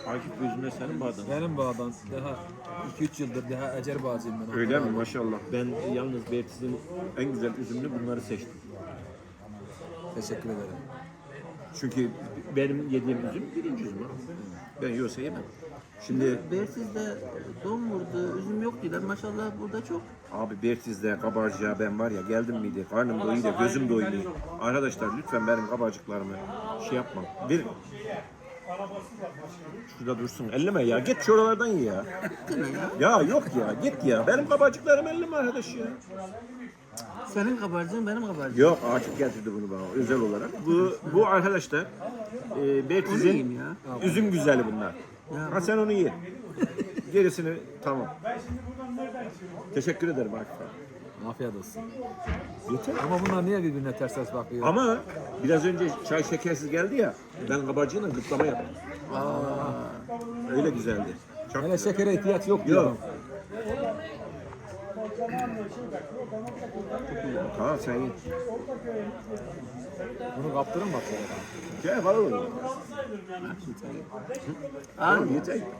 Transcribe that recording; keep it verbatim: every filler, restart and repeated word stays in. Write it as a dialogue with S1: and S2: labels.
S1: Akif gözünde senin bağdan.
S2: Benim bağdan daha iki üç yıldır daha ecer bağcıyım ben.
S1: Öyle mi? Maşallah. Ben yalnız Bertiz'in en güzel üzümünü bunları seçtim.
S2: Teşekkür ederim.
S1: Çünkü benim yediğim üzüm birinci üzüm abi. Ben yiyorsa yemem. Şimdi
S3: Bersiz'de don vurdu, üzüm yok diyorlar. Maşallah burada çok.
S1: abi Bertiz'de kabarcığa ben var ya geldim miydi? Karnım doyuyor, gözüm doyuyor. Arkadaşlar lütfen benim kabarcıklarımı şey yapma. Bir şurada dursun. Elleme ya. Git şuralardan ye ya. Ya yok ya. Git ya. Benim kabarcıklarım elleme arkadaş ya.
S3: Senin kabarcığın benim kabarcığım.
S1: Yok Akif getirdi bunu bana özel olarak. Bu bu arkadaşlar e,
S3: Onu yiyeyim
S1: Bertiz'in
S3: ya.
S1: üzüm güzeli bunlar.
S3: Ya
S1: Ha sen onu ye. Gerisini tamam. Teşekkür ederim Akif abi.
S2: Afiyet olsun.
S1: Yeter.
S2: Ama bunlar niye birbirine ters ters bakıyor?
S1: Ama biraz önce çay şekersiz geldi ya. Ben kabarcığına gıtlama yaptım. Öyle güzeldi. Çok
S2: Hele
S1: güzel.
S2: şekere ihtiyaç yok diyorum.
S1: Yok. Tamam sen ye.
S2: Bunu kaptırın bak.
S1: Gel var oğlum.
S3: Al.
S1: Yeter.